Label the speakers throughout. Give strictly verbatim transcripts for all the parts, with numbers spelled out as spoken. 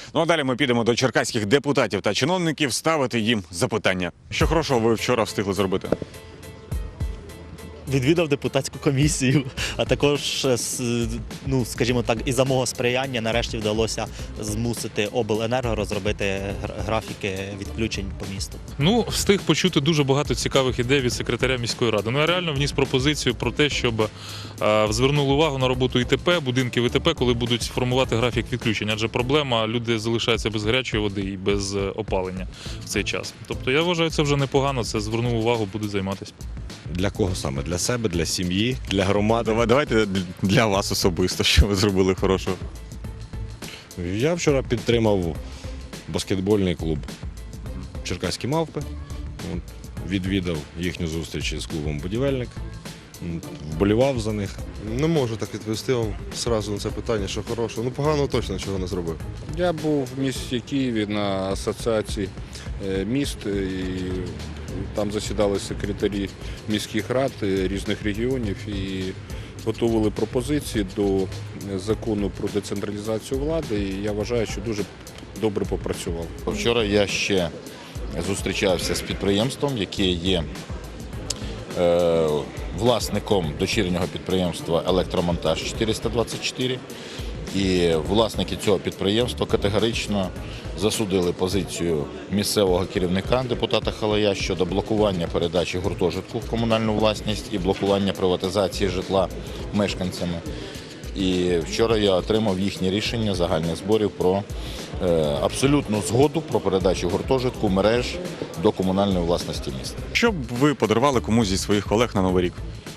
Speaker 1: Ну а далі ми підемо до черкаських депутатів та чиновників ставити їм запитання. Що хорошого ви вчора встигли зробити?
Speaker 2: Відвідав депутатську комісію, а також, ну, скажімо так, із-за мого сприяння нарешті вдалося змусити обленерго розробити графіки відключень по місту.
Speaker 3: Ну, встиг почути дуже багато цікавих ідей від секретаря міської ради. Ну, я реально вніс пропозицію про те, щоб е, звернули увагу на роботу ІТП, будинків ІТП, коли будуть формувати графік відключень. Адже проблема, люди залишаються без гарячої води і без опалення в цей час. Тобто, я вважаю, це вже непогано, це звернув увагу, будуть займатися.
Speaker 4: Для кого саме? Для себе, для сім'ї, для громади?
Speaker 1: Давай, давайте для вас особисто, що ви зробили хорошого.
Speaker 4: Я вчора підтримав баскетбольний клуб «Черкаські мавпи». От, відвідав їхню зустріч з клубом «Будівельник», вболівав за них.
Speaker 5: Не можу так відповісти вам одразу на це питання, що хорошого. Ну, поганого точно чого не зробив.
Speaker 6: Я був в місті Києві на асоціації міст, і там засідали секретарі міських рад різних регіонів і готували пропозиції до закону про децентралізацію влади, і я вважаю, що дуже добре попрацював.
Speaker 7: Вчора я ще зустрічався з підприємством, яке є е, власником дочірнього підприємства «Електромонтаж чотириста двадцять чотири». І власники цього підприємства категорично засудили позицію місцевого керівника, депутата Халая, щодо блокування передачі гуртожитку в комунальну власність і блокування приватизації житла мешканцями. І вчора я отримав їхнє рішення загальних зборів про е, абсолютну згоду про передачу гуртожитку мереж до комунальної власності міста.
Speaker 1: Що б ви подарували комусь зі своїх колег на Новий рік?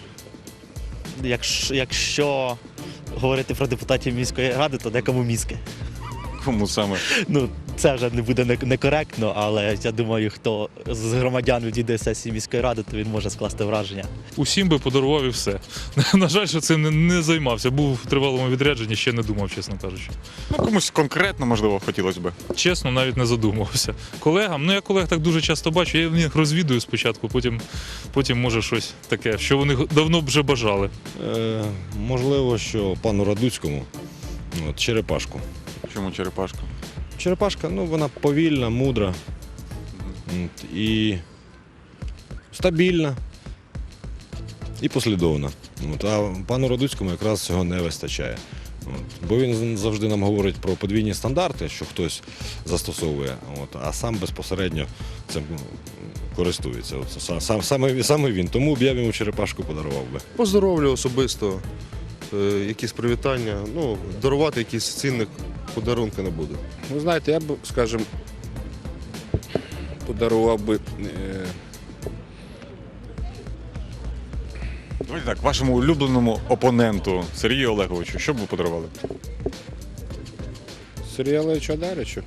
Speaker 2: Якщо, якщо говорити про депутатів міської ради, то декому мізки.
Speaker 1: Кому саме?
Speaker 2: Ну, це вже не буде некоректно, але я думаю, хто з громадян відійде з сесії міської ради, то він може скласти враження.
Speaker 3: Усім би подарував і все. На жаль, що цим не, не займався. Був в тривалому відрядженні, ще не думав, чесно кажучи.
Speaker 1: Ну, комусь конкретно, можливо, хотілося б.
Speaker 3: Чесно, навіть не задумувався. Колегам, ну я колег так дуже часто бачу, я їх розвідую спочатку, потім, потім може щось таке, що вони давно б вже бажали.
Speaker 4: Е, можливо, що пану Радуцькому от, черепашку.
Speaker 1: Чому черепашка?
Speaker 4: Черепашка, ну, вона повільна, мудра от, і стабільна, і послідовна. От, а пану Радуцькому якраз цього не вистачає. От, бо він завжди нам говорить про подвійні стандарти, що хтось застосовує, от, а сам безпосередньо цим користується. От, сам, саме, саме він. Тому б я йому черепашку подарував би.
Speaker 5: Поздоровлю особисто, е, якісь привітання, ну, дарувати якісь цінних подарунки не буду.
Speaker 6: Ви знаєте, я б, скажімо, подарував би е,
Speaker 1: Давайте так, вашому улюбленому опоненту Сергію Олеговичу, що б ви подарували?
Speaker 6: Сергія Олеговича Даричу.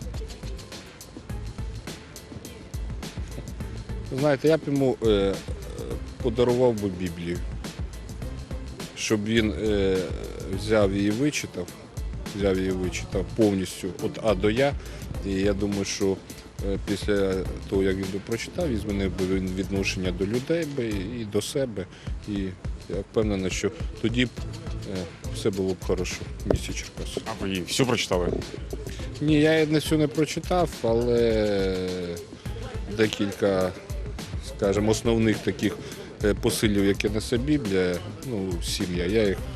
Speaker 6: Знаєте, я б йому е, подарував би Біблію, щоб він е, взяв її, вичитав, взяв її, вичитав повністю від А до Я. І я думаю, що е, після того, як він би прочитав, він змінив би він відношення до людей би і до себе. І я впевнений, що тоді б е, все було б хорошо в місті Черкаси.
Speaker 1: А ви її всю прочитали?
Speaker 6: Ні, я її не всю не прочитав, але декілька, скажімо, основних таких посилів, які несе Біблія, ну, сім'я, я їх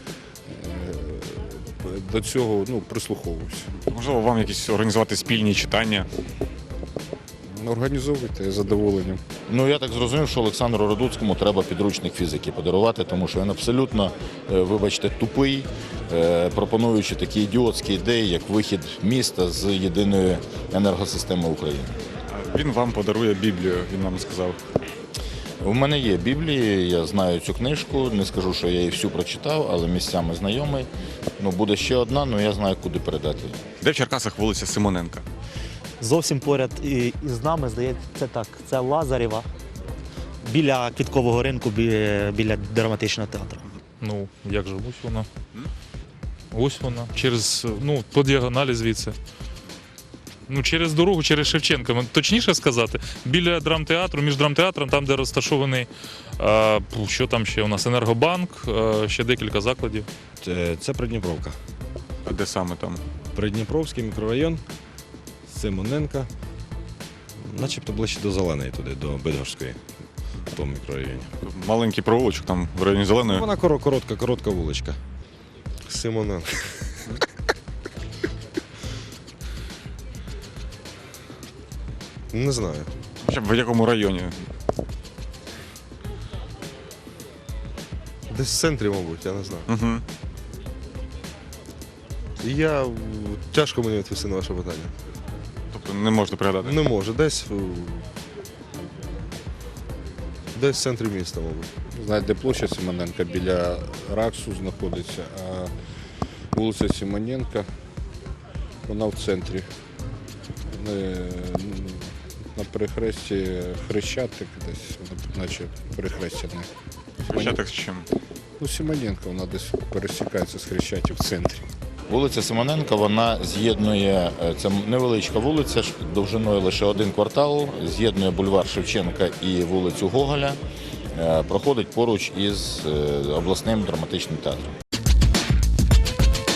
Speaker 6: до цього, ну, прислуховуюся.
Speaker 1: Можливо, вам якісь організувати спільні читання?
Speaker 6: Організовуйте з задоволенням.
Speaker 7: Ну, я так зрозумів, що Олександру Радуцькому треба підручник фізики подарувати, тому що він абсолютно, е, вибачте, тупий, е, пропонуючи такі ідіотські ідеї, як вихід міста з єдиної енергосистеми України.
Speaker 1: Він вам подарує Біблію, він нам сказав.
Speaker 7: У мене є Біблія, я знаю цю книжку, не скажу, що я її всю прочитав, але місцями знайомий. Ну, буде ще одна, але я знаю, куди передати її.
Speaker 1: Де в Черкасах вулиця Симоненка?
Speaker 2: Зовсім поряд і, і з нами, здається, це так, це Лазарєва, біля Квіткового ринку, біля, біля драматичного театру.
Speaker 3: Ну, як же, ось вона. Ось вона. Через, ну, по діагоналі звідси. Ну, через дорогу, через Шевченка, точніше сказати, біля драмтеатру, між драмтеатром, там, де розташований, а, що там ще у нас, Енергобанк, а, ще декілька закладів.
Speaker 4: Це, це Придніпровка.
Speaker 1: А де саме там?
Speaker 4: Придніпровський мікрорайон. Симоненка, начебто ближче до Зеленої туди, до Бидгорської, в тому мікрорайоні.
Speaker 1: Маленький провулочок там в районі Зеленої.
Speaker 4: Вона коро- коротка, коротка вуличка.
Speaker 5: Симоненко. Не знаю.
Speaker 1: Хоча б в якому районі?
Speaker 5: Десь в центрі, мабуть, я не знаю.
Speaker 1: Угу.
Speaker 5: Я тяжко мені відповісти на ваше питання.
Speaker 1: Тобто не можете пригадати.
Speaker 5: Не можу. Десь в- десь в центрі міста, мабуть.
Speaker 6: Знаєте, де площа Симоненка біля Раксу знаходиться, а вулиця Симоненка, вона в центрі. Е, На перехресті Хрещатик десь, вона наче перехрестя не.
Speaker 1: Хрещатик з чим?
Speaker 6: Ну, Симоненка, вона десь пересікається з Хрещатик в центрі.
Speaker 7: Вулиця Симоненка, вона з'єднує, е, це невеличка вулиця, ш- довжиною лише один квартал, з'єднує бульвар Шевченка і вулицю Гоголя, е, проходить поруч із е, обласним драматичним театром.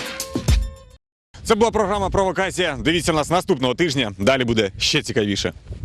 Speaker 1: Це була програма «Провокація». Дивіться нас наступного тижня. Далі буде ще цікавіше.